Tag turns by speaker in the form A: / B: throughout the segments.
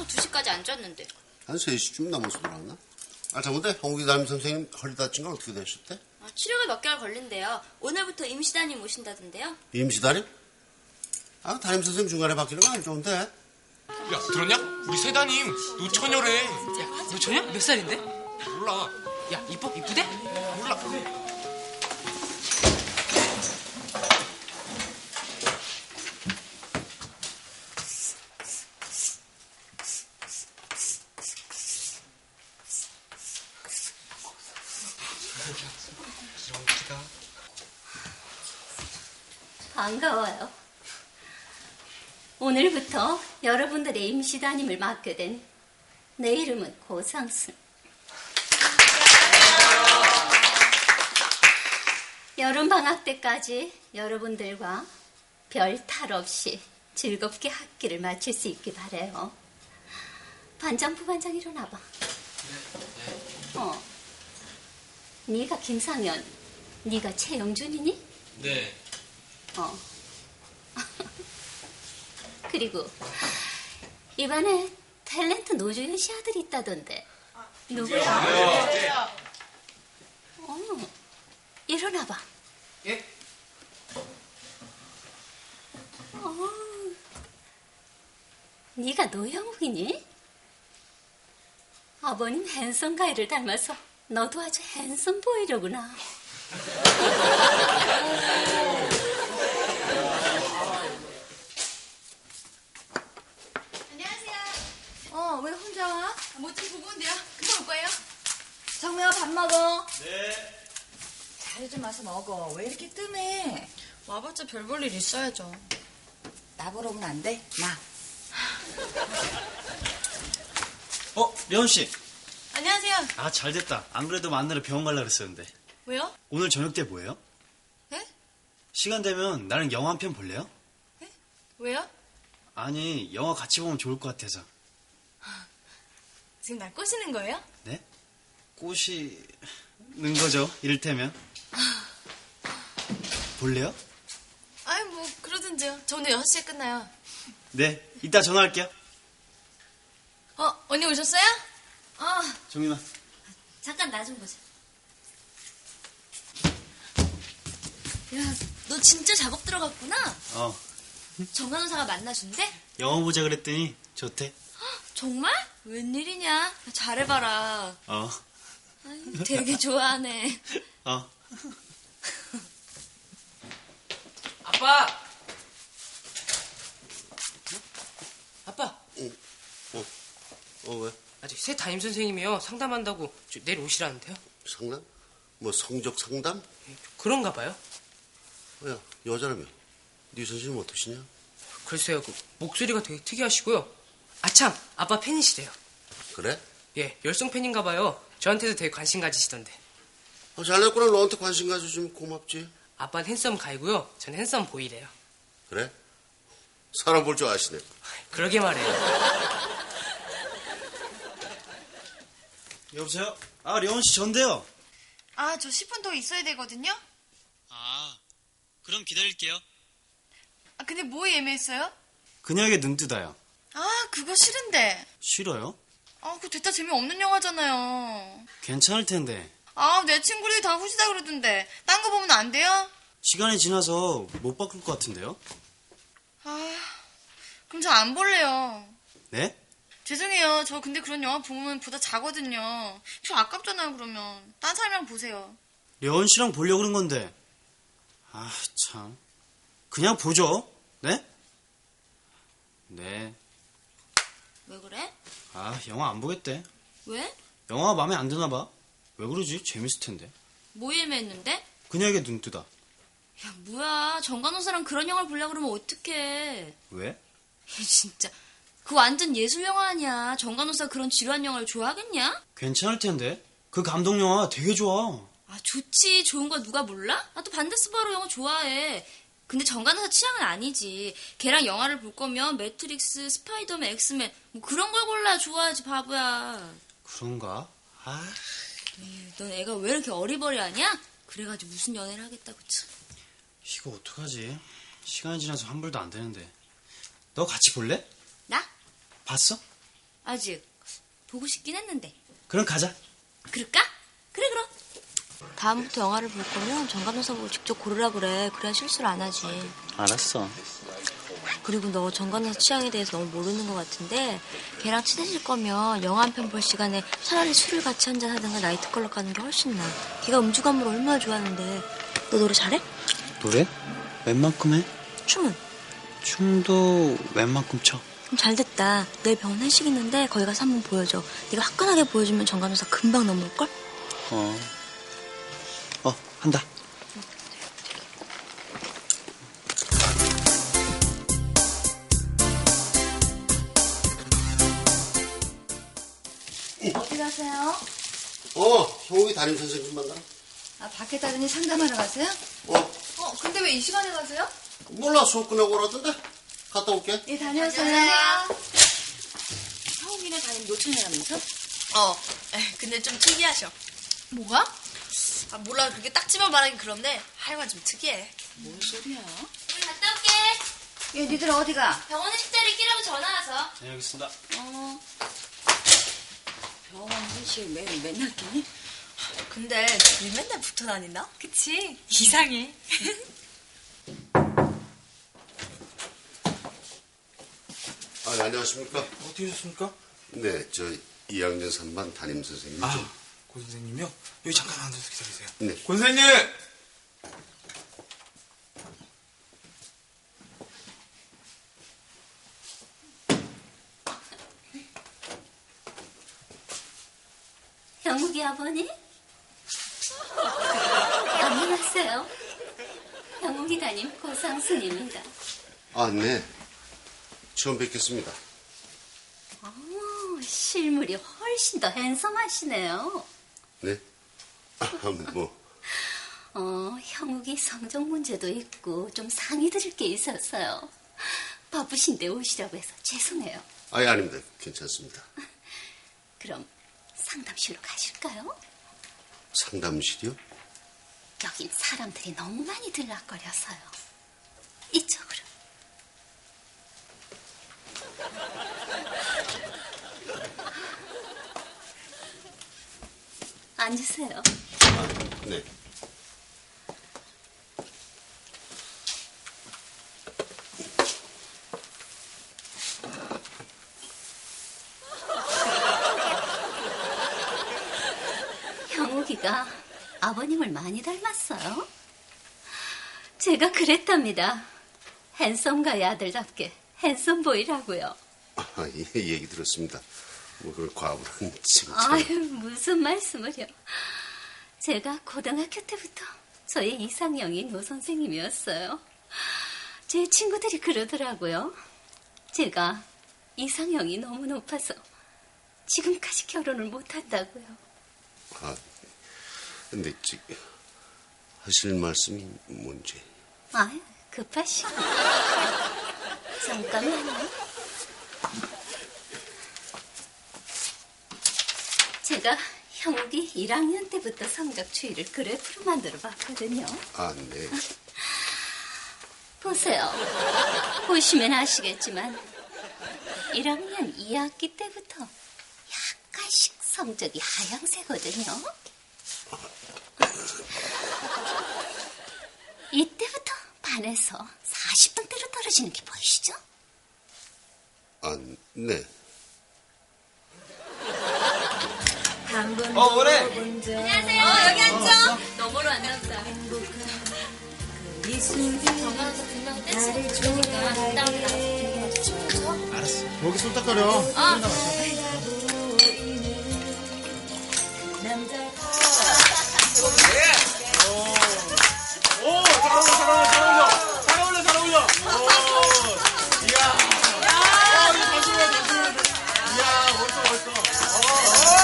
A: 나와서 2시까지 앉았는데.
B: 한 3시쯤 넘어서 들어왔나? 잘못해. 홍국이 담임 선생님 허리 다친 건 어떻게 되셨대?
A: 치료가 몇 개월 걸린대요. 오늘부터 임시담임 오신다던데요.
B: 임시담임? 담임 선생님 중간에 바뀌는 거 안 좋은데?
C: 야, 들었냐? 우리 새담임 노처녀래.
D: 야, 노처녀? 몇 살인데?
C: 몰라.
D: 야, 이쁘대?
C: 몰라.
E: 반가워요. 오늘부터 여러분들의 임시담임을 맡게 된 내 이름은 고상순. 여름방학 때까지 여러분들과 별 탈 없이 즐겁게 학기를 마칠 수 있길 바라요. 반장, 부반장 일어나봐. 네가 김상현, 네가 최영준이니?
C: 네.
E: 그리고 이번에 탤런트 노주현 씨 아들이 있다던데. 누구야? 일어나봐.
D: 예?
E: 네가 노영욱이니? 아버님 핸섬 가이를 닮아서 너도 아주 핸섬 보이려구나.
A: 왜 혼자 와?
F: 뭐 좀 보고 온대요. 금방 올 거예요.
G: 정우야, 밥 먹어.
C: 네.
G: 자리 좀 와서 먹어. 왜 이렇게 뜸해?
F: 와봤자 별 볼 일 있어야죠.
G: 나보러 오면 안 돼? 나.
H: 려원씨.
F: 안녕하세요.
H: 잘됐다. 안 그래도 만나러 병원 가려고 그랬었는데.
F: 왜요?
H: 오늘 저녁 때 뭐예요?
F: 네?
H: 시간 되면 나랑 영화 한 편 볼래요?
F: 네? 왜요?
H: 아니, 영화 같이 보면 좋을 것 같아서.
F: 지금 날 꼬시는 거예요?
H: 네? 꼬시는 거죠, 이를테면. 볼래요?
F: 아이, 뭐 그러든지요. 저 오늘 6시에 끝나요.
H: 네, 이따 전화할게요.
F: 언니 오셨어요?
H: 정민아.
A: 잠깐 나 좀 보자. 야, 너 진짜 작업 들어갔구나? 정간호사가 만나준대?
H: 영화 보자 그랬더니 좋대.
A: 정말? 웬일이냐? 잘해봐라. 아유, 되게 좋아하네.
D: 아빠! 아빠!
B: 왜?
D: 아직 새 담임 선생님이요. 상담한다고 내일 오시라는데요.
B: 상담? 뭐 성적 상담?
D: 그런가 봐요.
B: 야, 여자라며. 네 선생님 어떠시냐?
D: 글쎄요, 목소리가 되게 특이하시고요. 아참, 아빠 팬이시래요.
B: 그래?
D: 예, 열성 팬인가 봐요. 저한테도 되게 관심 가지시던데.
B: 잘됐구나. 너한테 관심 가져주면 고맙지.
D: 아빠는 핸섬 가이고요. 전 핸섬 보이래요.
B: 그래? 사람 볼 줄 아시네.
D: 그러게 말해요.
H: 여보세요? 려원씨 전데요.
F: 저 10분 더 있어야 되거든요.
H: 그럼 기다릴게요.
F: 근데 뭐 예매했어요?
H: 그녀에게 눈 뜨다요.
F: 그거 싫은데.
H: 싫어요?
F: 그거 됐다 재미없는 영화잖아요.
H: 괜찮을 텐데.
F: 내 친구들이 다 후지다 그러던데. 딴 거 보면 안 돼요?
H: 시간이 지나서 못 바꿀 것 같은데요?
F: 그럼 저 안 볼래요.
H: 네?
F: 죄송해요. 저 근데 그런 영화 보면 보다 자거든요. 저 아깝잖아요, 그러면. 딴 사람이랑 보세요.
H: 려원씨랑 보려고 그런 건데. 참. 그냥 보죠. 네? 네.
A: 왜 그래?
H: 영화 안 보겠대.
A: 왜?
H: 영화가 마음에 안 드나 봐. 왜 그러지? 재밌을 텐데.
A: 뭐 예매했는데?
H: 그녀에게 눈 뜨다.
A: 야, 뭐야. 정간호사랑 그런 영화를 보려고 그러면 어떡해.
H: 왜?
A: 진짜. 그 완전 예술 영화 아니야. 정간호사 그런 지루한 영화를 좋아하겠냐?
H: 괜찮을 텐데. 그 감동 영화 되게 좋아.
A: 좋지. 좋은 거 누가 몰라? 나도 반데스바로 영화 좋아해. 근데 정간호사 취향은 아니지. 걔랑 영화를 볼 거면 매트릭스, 스파이더맨, 엑스맨 뭐 그런 걸 골라야 좋아하지, 바보야.
H: 그런가?
A: 넌 애가 왜 이렇게 어리버리하냐? 그래가지고 무슨 연애를 하겠다고 참.
H: 이거 어떡하지? 시간이 지나서 환불도 안 되는데. 너 같이 볼래?
A: 나?
H: 봤어?
A: 아직 보고 싶긴 했는데.
H: 그럼 가자.
A: 그럴까? 그래 그럼. 다음부터 영화를 볼 거면 정관호사 보고 직접 고르라 그래. 그래야 실수를 안 하지.
H: 알았어.
A: 그리고 너 정관호사 취향에 대해서 너무 모르는 것 같은데 걔랑 친해질 거면 영화 한 편 볼 시간에 차라리 술을 같이 한잔 하든가 나이트클럽 가는 게 훨씬 나아. 걔가 음주감을 얼마나 좋아하는데. 너 노래 잘해?
H: 노래? 웬만큼 해?
A: 춤은?
H: 춤도 웬만큼 춰.
A: 그럼 잘 됐다. 내일 병원 회식 있는데 거기 가서 한번 보여줘. 네가 화끈하게 보여주면 정관호사 금방 넘어올걸?
H: 한다.
G: 어디 가세요?
B: 형욱이 담임 선생님 만나러.
G: 아, 밖에 따르니 상담하러 가세요? 근데 왜 이 시간에 가세요?
B: 몰라, 수업 끝나고 오라던데. 갔다 올게.
G: 예, 다녀오세요.
A: 형욱이네 담임 노천이라면서?
F: 근데 좀 특이하셔.
G: 뭐가?
F: 아, 몰라. 그렇게 딱 집어 말하긴 그런데 하여간 좀 특이해.
G: 뭔 소리야?
A: 갔다 올게.
G: 얘, 니들 어디 가?
A: 병원 회식 자리 끼라고 전화 와서.
H: 네, 알겠습니다.
G: 병원 회식 맨날 끼니?
F: 근데 둘이 맨날 붙어 다닌다? 그치? 이상해.
B: 안녕하십니까?
I: 어떻게 오셨습니까?
B: 네, 저 2학년 3반 담임 선생님.
I: 고 선생님이요? 여기 잠깐 앉아서 기다리세요.
B: 네.
I: 고 선생님!
E: 형욱이 아버님? 안녕하세요. 형욱이 담임 고상순입니다.
B: 네. 처음 뵙겠습니다.
E: 실물이 훨씬 더 핸섬하시네요.
B: 네?
E: 형욱이 성적 문제도 있고 좀 상의 드릴 게 있었어요. 바쁘신데 오시라고 해서 죄송해요.
B: 아닙니다. 괜찮습니다.
E: 그럼 상담실로 가실까요?
B: 상담실이요?
E: 여긴 사람들이 너무 많이 들락거려서요. 이쪽으로. 앉으세요.
B: 네.
E: 형욱이가 아버님을 많이 닮았어요. 제가 그랬답니다. 핸섬가의 아들답게 핸섬보이라고요.
B: 얘기 들었습니다. 그걸 과분한 칭찬.
E: 아유, 무슨 말씀을요. 제가 고등학교 때부터 저의 이상형이 노 선생님이었어요. 제 친구들이 그러더라고요. 제가 이상형이 너무 높아서 지금까지 결혼을 못한다고요.
B: 근데 하실 말씀이 뭔지.
E: 아유, 급하시고. 잠깐만요. 제가 형욱이 1학년 때부터 성적 추이를 그래프로 만들어 봤거든요.
B: 네.
E: 보세요. 보시면 아시겠지만 1학년 2학기 때부터 약간씩 성적이 하향세거든요. 이때부터 반에서 40분대로 떨어지는 게 보이시죠?
B: 네.
I: 뭐래?
A: 안녕하세요. 여기 앉아. 너머로 앉았다. 정관호사 분명 댄스 부르니까 다음에 나가서 분위기 춤춰.
H: 알았어.
I: 목이 쏠딱거려.
C: 잘 어울려. 이야. 이거 다시 보여. 이야, 멋있어.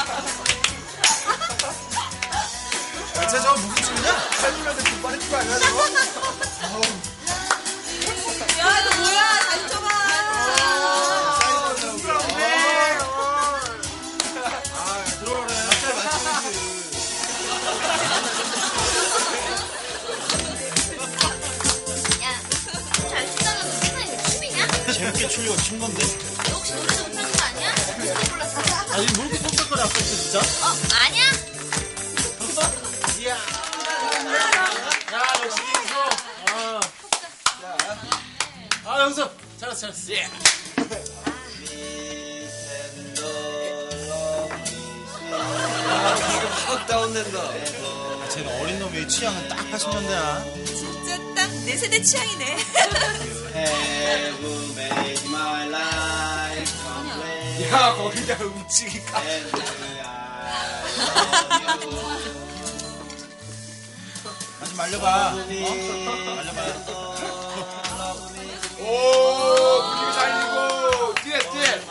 I: 쟤 저거 무슨 춤이냐? 잘 불러야 돼. 빨리 추고 아니야?
C: 맞춘 건데.
A: 혹시 노래 좀 부르는 거 아니야? 무슨 골랐어?
C: 아니, 뭐 이렇게 쏙쏙거려, 아까부터 진짜?
A: 아니야?
C: 이야. 야, 역시 이소. 아, 영수. 잘했어. 예.
J: 확 다운된다.
C: 쟤는 어린 놈의 취향은 딱 80년대야.
G: 진짜 딱 내 세대 취향이네.
J: Have made my life complete.
C: 야, 거기다 움직이까. 다시 말려봐. 말려봐. 오, 분위기 살리고. 뒤에.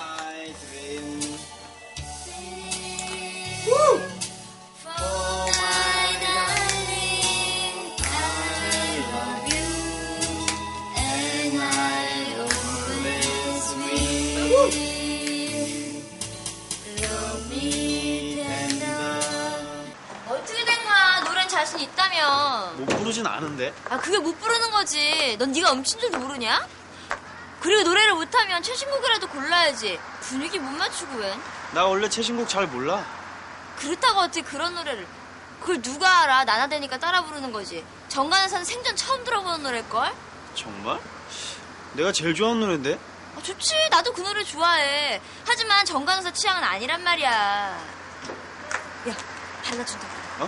A: 어떻게 된 거야? 노래는 자신 있다며.
H: 못 부르진 않은데.
A: 아, 그게 못 부르는 거지. 넌 네가 음친 줄도 모르냐? 그리고 노래를 못하면 최신곡이라도 골라야지. 분위기 못 맞추고 웬?
H: 나 원래 최신곡 잘 몰라.
A: 그렇다고 어떻게 그런 노래를. 그걸 누가 알아? 나나대니까 따라 부르는 거지. 정관에서는 생전 처음 들어보는 노래일걸?
H: 정말? 내가 제일 좋아하는 노래인데.
A: 아, 좋지. 나도 그 노래 좋아해. 하지만 정관에서 취향은 아니란 말이야. 야, 발라준다.
H: 어?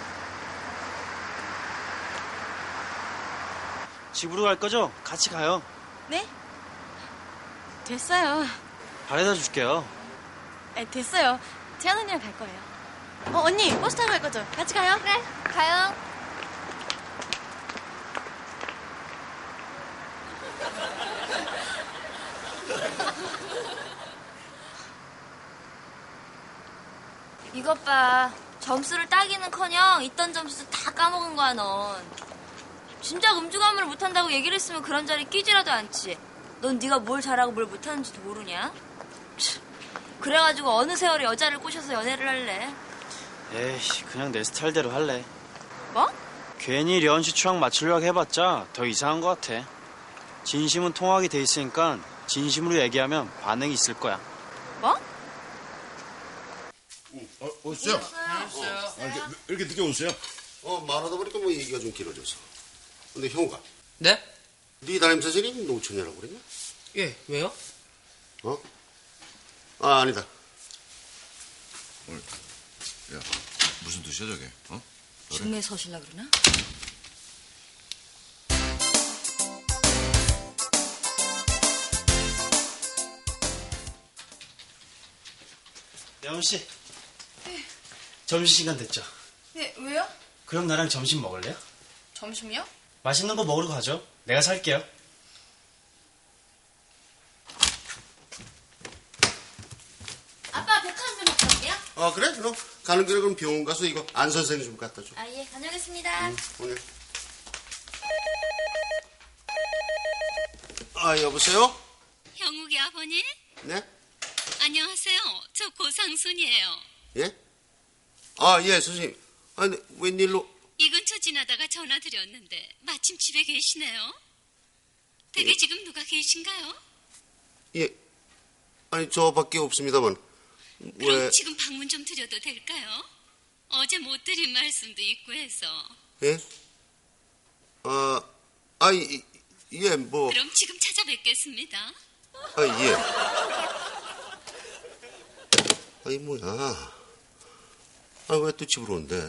H: 집으로 갈 거죠? 같이 가요.
F: 네? 됐어요.
H: 바래다 줄게요.
F: 됐어요. 재한 언니랑 갈 거예요. 언니, 버스 타고 갈 거죠? 같이 가요?
A: 그래, 가요. 이것 봐. 점수를 따기는커녕 있던 점수 다 까먹은 거야, 넌. 진작 음주가무를 못한다고 얘기를 했으면 그런 자리에 끼지라도 않지. 넌 네가 뭘 잘하고 뭘 못하는지도 모르냐? 참, 그래가지고 어느 세월에 여자를 꼬셔서 연애를 할래?
H: 에이, 그냥 내 스타일대로 할래.
A: 뭐?
H: 괜히 려은 씨 추앙 맞추려고 해봤자 더 이상한 것 같아. 진심은 통하게 돼 있으니까 진심으로 얘기하면 반응이 있을 거야.
A: 뭐?
B: 오셨어요?
C: 이렇게 늦게 오세요?
B: 말하다 보니까 뭐 얘기가 좀 길어져서. 근데 형우가,
D: 네?
B: 네 담임 선생님이 노처녀라고 그랬냐?
D: 예, 왜요?
B: 어? 아, 아니다.
K: 야, 무슨 뜻이야 저게? 어?
A: 중매 서실라 그러나?
H: 려은 씨. 점심시간 됐죠?
F: 네, 왜요?
H: 그럼 나랑 점심 먹을래요?
F: 점심요?
H: 맛있는 거 먹으러 가죠. 내가 살게요.
A: 아빠 백화점 좀 갔다 올게요.
B: 그래? 그럼 가는 길에 그럼 병원 가서 이거 안 선생 좀 갖다 줘.
A: 아, 예, 다녀오겠습니다.
B: 오늘. 여보세요?
E: 형욱이 아버님?
B: 네?
E: 안녕하세요. 저 고상순이에요.
B: 예? 예, 선생님. 아니, 웬일로?
E: 이 근처 지나다가 전화 드렸는데 마침 집에 계시네요. 댁에
B: 예.
E: 지금 누가 계신가요?
B: 예. 아니, 저밖에 없습니다만.
E: 그럼
B: 왜?
E: 지금 방문 좀 드려도 될까요? 어제 못 드린 말씀도 있고 해서.
B: 예? 예, 뭐.
E: 그럼 지금 찾아뵙겠습니다.
B: 예. 아니, 뭐야. 왜 또 집으로 온대?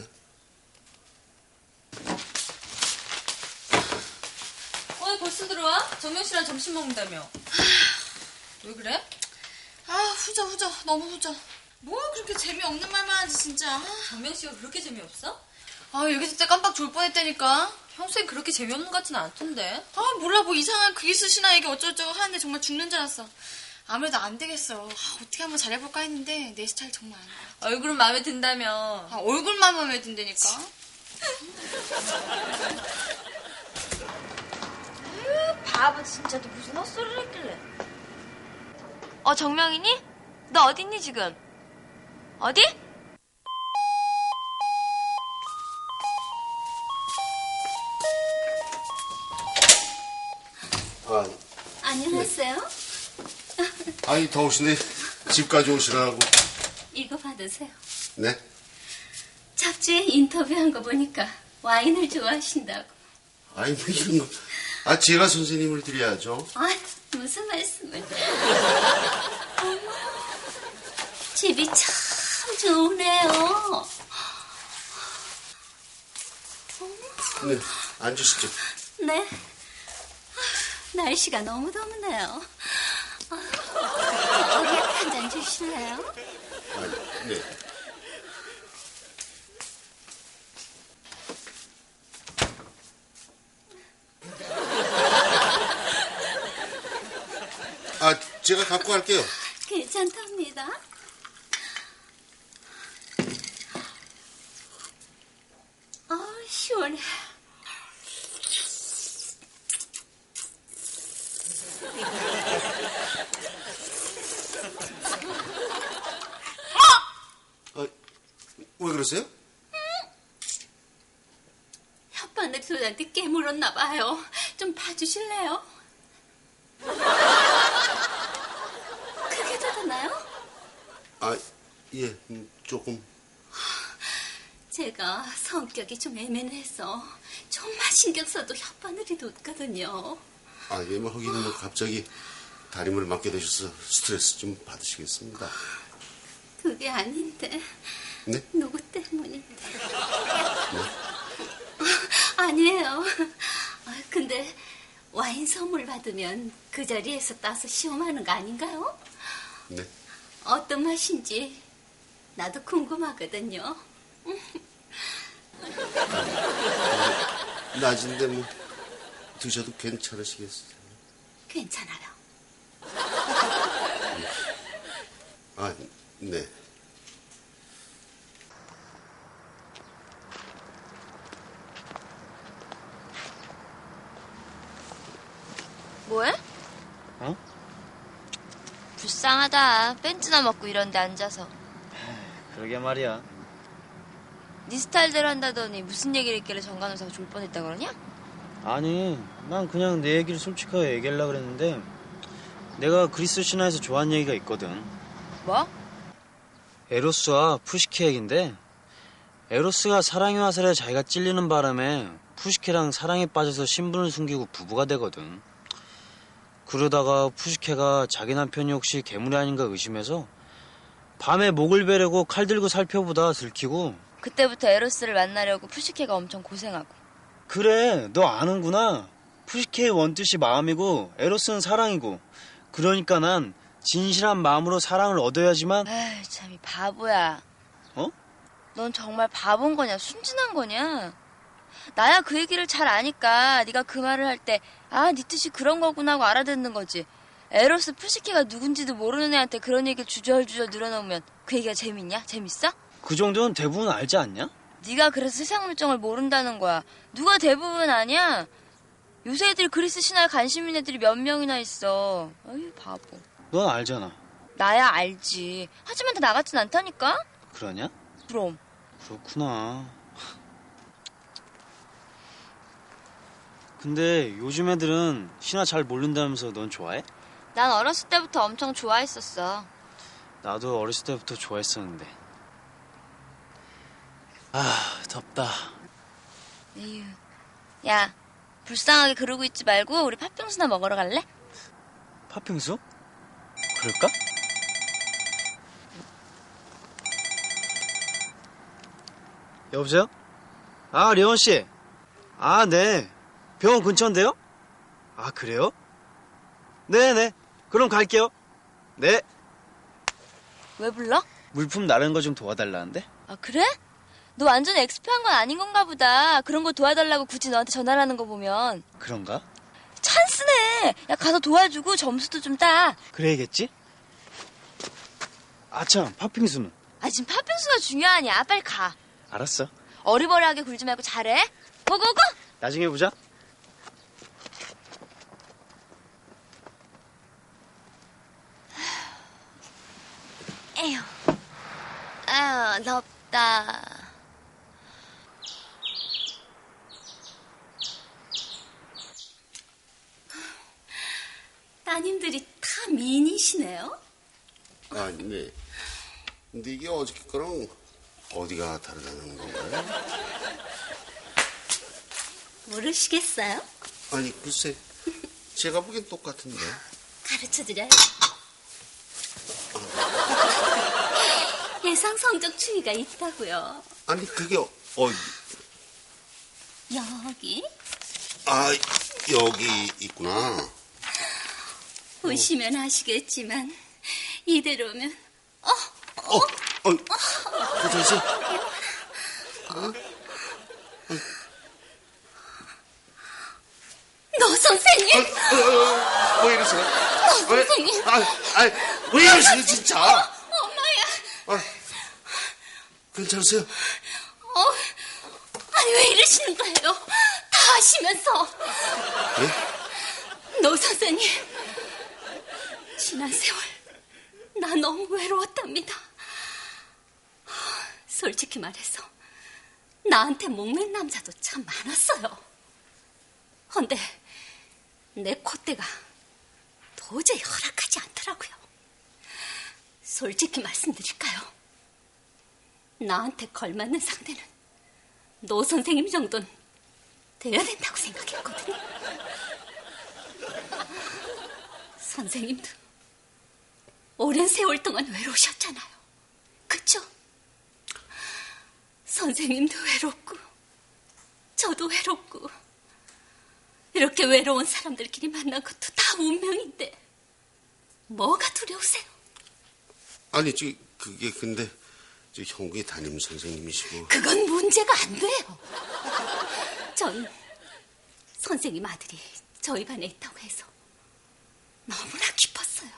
A: 벌써 들어와? 정명 씨랑 점심 먹는다며. 왜 그래?
F: 후져. 너무 후져. 뭐 그렇게 재미없는 말만 하지, 진짜.
A: 정명 씨가 그렇게 재미없어?
F: 여기 있을 때 깜빡 졸 뻔했다니까.
A: 평소에 그렇게 재미없는 것 같지는 않던데.
F: 몰라, 뭐 이상한 그 이쑤시나 이게 어쩌고저쩌고 하는데 정말 죽는 줄 알았어. 아무래도 안 되겠어. 어떻게 한번 잘해볼까 했는데 내 스타일 정말 아니야.
A: 얼굴은 마음에 든다며.
F: 얼굴만 마음에 든다니까.
A: 바보 진짜 또 무슨 헛소리를 했길래. 정명이니? 너 어딨니 지금? 어디?
E: 안녕하세요.
B: 아이, 더우시네. 집까지 오시라고.
E: 이거 받으세요.
B: 네?
E: 잡지에 인터뷰한 거 보니까 와인을 좋아하신다고.
B: 아이, 뭐 이런 거. 아, 제가 선생님을 드려야죠.
E: 아, 무슨 말씀을. 어머, 집이 참 좋으네요.
B: 네, 앉으시죠.
E: 네. 날씨가 너무 덥네요. 어디 한 잔 주실래요?
B: 아, 네. 아, 제가 갖고 갈게요.
E: 괜찮답니다. 시원해.
B: 왜 그러세요?
E: 혓바늘 소리한테 깨물었나 봐요. 좀 봐주실래요? 크게 닫았나요?
B: 아, 예, 조금.
E: 제가 성격이 좀 예민해서 좀만 신경 써도 혓바늘이 돋거든요.
B: 아, 예, 뭐, 하기는 뭐, 갑자기 다림을 맡게 되셔서 스트레스 좀 받으시겠습니다.
E: 그게 아닌데.
B: 네?
E: 누구 때문인데. 아니에요. 근데 와인 선물 받으면 그 자리에서 따서 시험하는 거 아닌가요?
B: 네.
E: 어떤 맛인지 나도 궁금하거든요.
B: 낮인데 뭐 드셔도 괜찮으시겠어요?
E: 괜찮아요.
B: 아, 네.
A: 뭐해?
H: 어?
A: 불쌍하다. 벤츠나 먹고 이런 데 앉아서.
H: 그러게 말이야.
A: 네 스타일대로 한다더니 무슨 얘기를 했길래 정간호사가 졸 뻔했다 그러냐?
H: 아니, 난 그냥 내 얘기를 솔직하게 얘기하려고 그랬는데 내가 그리스 신화에서 좋아하는 얘기가 있거든.
A: 뭐?
H: 에로스와 푸시케 얘긴데 에로스가 사랑의 화살에 자기가 찔리는 바람에 푸시케랑 사랑에 빠져서 신분을 숨기고 부부가 되거든. 그러다가 푸시케가 자기 남편이 혹시 괴물이 아닌가 의심해서 밤에 목을 베려고 칼 들고 살펴보다 들키고
A: 그때부터 에로스를 만나려고 푸시케가 엄청 고생하고.
H: 그래, 너 아는구나. 푸시케의 원뜻이 마음이고 에로스는 사랑이고 그러니까 난 진실한 마음으로 사랑을 얻어야지만.
A: 에이, 참 이 바보야.
H: 어?
A: 넌 정말 바본 거냐 순진한 거냐? 나야 그 얘기를 잘 아니까 네가 그 말을 할 때 아, 네 뜻이 그런 거구나 하고 알아듣는 거지. 에로스 푸시케가 누군지도 모르는 애한테 그런 얘기를 주저주저 늘어놓으면 그 얘기가 재밌냐? 재밌어?
H: 그 정도는 대부분 알지 않냐?
A: 네가 그래서 세상 물정을 모른다는 거야. 누가 대부분 아냐? 요새 애들이 그리스 신화에 관심 있는 애들이 몇 명이나 있어. 아유 바보.
H: 넌 알잖아.
A: 나야 알지. 하지만 다 나 같진 않다니까?
H: 그러냐?
A: 그럼.
H: 그렇구나. 근데 요즘 애들은 신화 잘 모른다면서 넌 좋아해?
A: 난 어렸을 때부터 엄청 좋아했었어.
H: 나도 어렸을 때부터 좋아했었는데. 아, 덥다.
A: 에휴. 야, 불쌍하게 그러고 있지 말고 우리 팥빙수나 먹으러 갈래?
H: 팥빙수? 그럴까? 여보세요? 아, 려원씨. 아, 네. 병원 근처인데요? 아, 그래요? 네네. 그럼 갈게요. 네.
A: 왜 불러?
H: 물품 나르는 거 좀 도와달라는데?
A: 아, 그래? 너 완전 엑스피한 건 아닌 건가 보다. 그런 거 도와달라고 굳이 너한테 전화를 하는 거 보면.
H: 그런가?
A: 찬스네. 야, 가서 도와주고 점수도 좀 따.
H: 그래야겠지? 아참, 팥빙수는?
A: 아, 지금 팥빙수가 중요하냐? 빨리 가.
H: 알았어.
A: 어리버리하게 굴지 말고 잘해. 고고고!
H: 나중에 보자.
A: 에휴. 아유, 덥다.
E: 따님들이 다 참 미인이시네요.
B: 아, 네. 근데 이게 어저께 거랑 어디가 다르다는 건가요?
E: 모르시겠어요?
B: 아니, 글쎄. 제가 보기엔 똑같은데.
E: 가르쳐드려요. 예상 성적 추이가 있다고요.
B: 아니, 그게
E: 여기
B: 아, 여기 있구나.
E: 보시면 아시겠지만 이대로면
B: 도대체
E: 노 선생님.
B: 왜 이러세요?
E: 노 선생님.
B: 왜 이러세요, 진짜?
E: 엄마야.
B: 괜찮으세요?
E: 아니 왜 이러시는 거예요? 다 아시면서.
B: 예?
E: 노 선생님, 지난 세월 나 너무 외로웠답니다. 솔직히 말해서 나한테 목맨 남자도 참 많았어요. 헌데 내 콧대가 도저히 허락하지 않더라고요. 솔직히 말씀드릴까요? 나한테 걸맞는 상대는 노 선생님 정도는 돼야 된다고 생각했거든요. 선생님도 오랜 세월 동안 외로우셨잖아요. 그쵸? 선생님도 외롭고 저도 외롭고 이렇게 외로운 사람들끼리 만난 것도 다 운명인데 뭐가 두려우세요?
B: 아니, 그게 근데 형국이 담임 선생님이시고.
E: 그건 문제가 안 돼요. 전 선생님 아들이 저희 반에 있다고 해서 너무나 기뻤어요.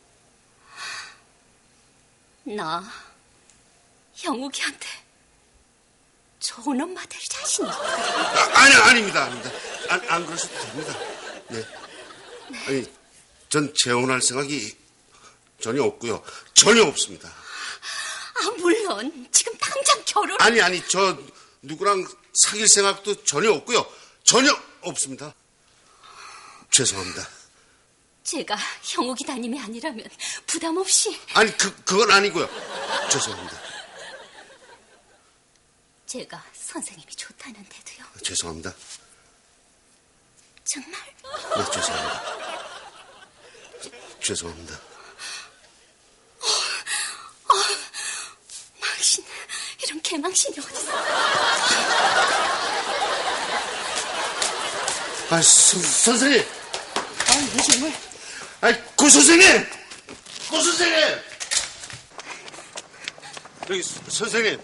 E: 나 형욱이한테 좋은 엄마 될 자신이 있거든요.
B: 아닙니다. 안 그러셔도 됩니다. 네. 아니, 전 재혼할 생각이 전혀 없고요. 전혀 없습니다.
E: 물론 지금 당장 결혼.
B: 아니, 저 누구랑 사귈 생각도 전혀 없고요. 전혀 없습니다. 죄송합니다.
E: 제가 형욱이 담임이 아니라면 부담 없이.
B: 아니, 그건 아니고요. 죄송합니다.
E: 제가 선생님이 좋다는데도요.
B: 죄송합니다.
E: 정말?
B: 네, 죄송합니다. 죄송합니다.
E: 망신, 이런 개망신이 어딨어.
B: 선생님!
E: 왜 정말?
B: 고 선생님! 고 선생님! 여기, 선생님!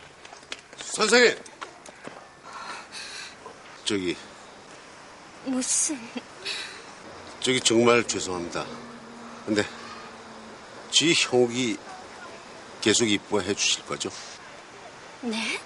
E: 무슨?
B: 정말 죄송합니다. 근데, 지 형욱이 계속 이뻐해 주실 거죠?
E: 네?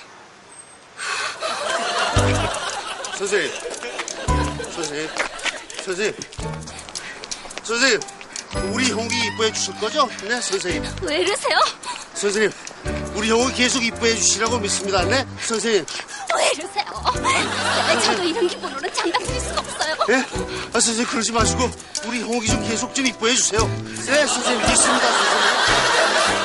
B: 선생님, 우리 형욱이 이뻐해 주실 거죠? 네, 선생님.
E: 왜 이러세요?
B: 선생님, 우리 형욱이 계속 이뻐해 주시라고 믿습니다. 네, 선생님.
E: 왜 이러세요? 저도 이런 기분으로는 장담 드릴 수가 없어요.
B: 예? 선생님, 그러지 마시고, 우리 형욱이 좀 계속 좀 이뻐해 주세요. 네, 선생님, 믿습니다, 선생님.